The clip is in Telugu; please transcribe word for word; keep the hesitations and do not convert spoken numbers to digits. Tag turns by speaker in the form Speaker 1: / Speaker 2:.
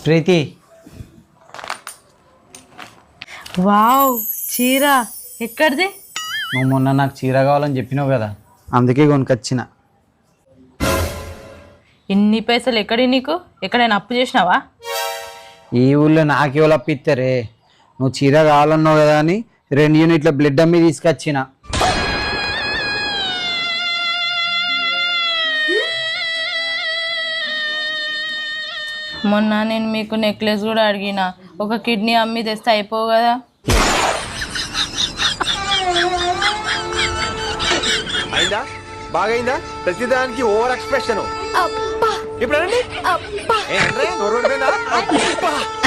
Speaker 1: ప్రీతి,
Speaker 2: వావ్ చీర ఎక్కడిది?
Speaker 1: నువ్వు మొన్న నాకు చీర కావాలని చెప్పినావు కదా, అందుకే కొనుకొచ్చిన.
Speaker 2: ఇన్ని పైసలు ఎక్కడి నీకు? ఎక్కడైనా అప్పు చేసినావా?
Speaker 1: ఈ ఊళ్ళో నాకేవాళ్ళు అప్పిస్తారే? నువ్వు చీర కావాలన్నావు కదా అని రెండు యూనిట్ల బ్లడ్ అమ్మి తీసుకొచ్చిన.
Speaker 2: మొన్న నేను మీకు నెక్లెస్ కూడా అడిగిన, ఒక కిడ్నీ అమ్మి తెస్తే అయిపోవు కదా?
Speaker 3: అయిందా? బాగైందా? ప్రతిదానికి ఓవర్ ఎక్స్ప్రెషన్. ఇప్పుడు